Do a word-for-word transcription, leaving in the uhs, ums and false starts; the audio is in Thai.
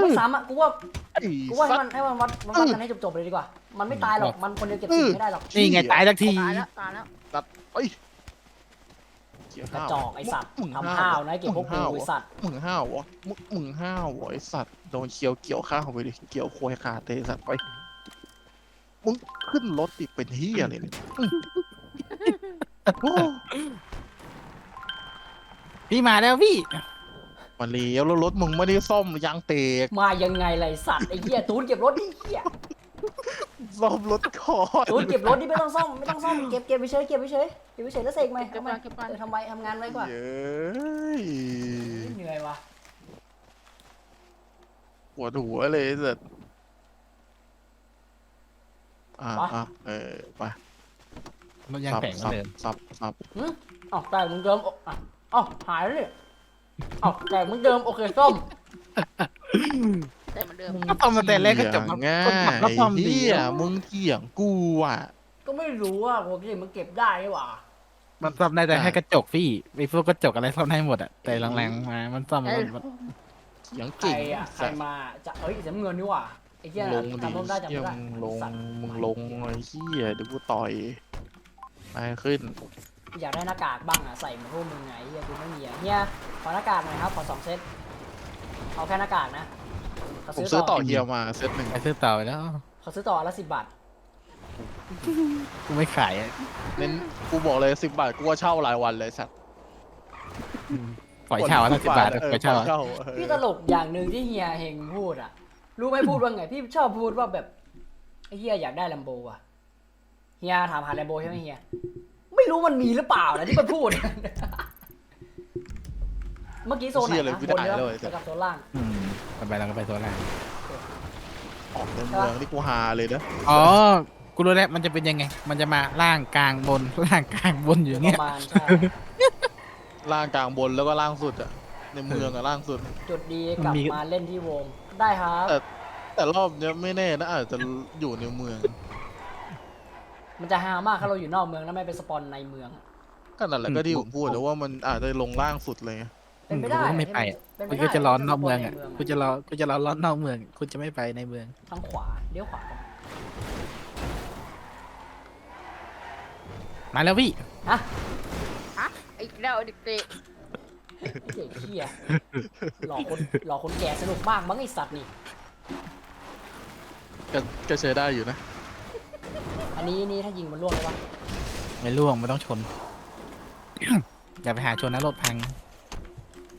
ไม่ซ้ำอ่ะกูว่าไอ้กูว่าให้สัมัตนว์ให้มันวัดมันวัดกันให้จบๆเลยดีกว่ามันไม่ตายหรอกมันคนเดียวเก็บสี่ไม่ได้หรอกนี่ไงตายสักทีตายแล้วตายแล้วสัตว์เอ้ยเกี่ยวกระห้าวจอกไอสัตว์มึงทำห้าวนะเก็บพวกกูมึงไอสัตว์มึงห้าววะมึงมึงห้าววะไอ้สัตว์โดนเคียวเกี่ยวข้าวไปดิเกี่ยวโคยขาดเลยไอ้สัตว์ไปมึงขึ้นรถติดเป็นเฮียอะไรเนี่ยอื้อโอ้พี่มาแล้วพี่มาเลี้ยวแล้วรถมึงไม่ได้ซ่อมยางเตกมายังไงไรสัตว์ไอ้เหี้ยตูนเก็บรถดิเหี้ยซ่อมรถก่อนตูนเก็บรถนี่ไม่ต้องซ่อมไม่ต้องซ่อมเก็บเก็บไปเฉยเก็บไปเฉยเก็บไปเฉยแล้วเสกไหมเก็บทำไมไปเก็บไปเออทำไมทำงานไว้กว่าเย้ยเหนื่อยว่ะปวดหัวเลยไอ้สัตว์อ่าอ่ะเออไปมันยังสับแข็งเหมือสันบเดิมสับสับหึอ้าวแต่มึงเดิมอ่ะอ้าวหายแล้วเนี่ยอ้าวแต่มึงเดิมโอเคส้มแต่เหมือนเดิมก็ตอนมาแต่แรกก็จบเถียงง่าง่ายก็ความดีเฮียมึงเถียงกูอ่ะก็ไม่รู้ว่าโอเคมันเก็บได้หรือเปล่ามันซ่อมได้แต่ให้กระจกพี่ไอ้พวกกระจกอะไรซ่อมได้หมดอะแต่แรงๆมามันซ่อมมันมันเถียงใครเก่งอ่ะใครมาจะเอ้ยเสียเงินนี่หว่าไอ้เหี้ยลงดิจำต้องได้จำเฮียไม่ได้มึงลงสัตว์มึงลงไอ้เฮียเดี๋ยวกูต่อยไปขึ้นอยากได้หน้ากากบ้างอ่ะใส่เหมือนพวกมึงไงเฮียกูไม่มีอ่ะเฮียขอหน้ากากหน่อยครับขอสองเซตเอาแค่หน้ากากนะเขาผมซื้ซื้ออต่ต่ออเฮียมาเซตหนึ่งไปซื้อต่อไปแล้วเขาซื้อต่อละสิบบาทกูไม่ขายอะเน้นกูบอกเลยสิบบาทกูว่าเช่ารายวันเลยสัตว์ปล่อยเช่าละสิบบาทเออปล่อยเช่าปล่อยเช่าเออพี่ตลกอย่างหนึ่งที่เฮียเฮงพูดอ่ะรู้ไหมพูดว่าไงพี่ชอบพูดว่าแบบไอ้เฮียอยากได้ลัมโบอ่ะเฮียถามหาลัมโบใช่ไหมเฮียไม่รู้มันมีหรือเปล่านะที่มันพูด เมื่อกี้โซนไหนนะบนเยอะไปกับโซนล่างอืมต่อไปเราก็ไปตัวแรกออกในเมืองนี่กูฮาเลยนะอ๋อกูรู้แล้วมันจะเป็นยังไง มันจะมาล่างกลางบนล่างกลางบนอยู่ปเงี้ยระมาณใช่ล่างกลางบนแล้วก็ล่างสุดอะในเมืองอะล่างสุดจุดดีกลับมาเล่นที่วงได้ครับแต่ แต่รอบเนี้ยไม่แน่นะอาจจะอยู่ในเมืองมันจะฮามากถ้าเราอยู่นอกเมืองแล้วไม่เป็นสปอนในเมืองก็นั่นแหละก็ที่ผมพูดแต่ว่ามันอาจจะลงล่างสุดเลยเป็นไปได้กูก็ไม่ไปอะเป็นไปกูได้ก็จะร้อนนอกเมืองอ่ะสปนในกูจะรอกูจะรอร้อนนอกเมืองกูจะไม่ไปในเมืองทางขวาเลี้ยวขวากันมาแล้วพี่ฮะฮะอีกแล้วเด็กเด็กเขี้ยหลอกคนหลอกคนแก่สนุกมากมั้งไอสัตว์นี่ก็ก็ใช้ได้อยู่นะอันนี้นี่ถ้ายิงมันล่วงเลยวะไม่ล่วงไม่ต้องชน อย่าไปหาชนนะรถพัง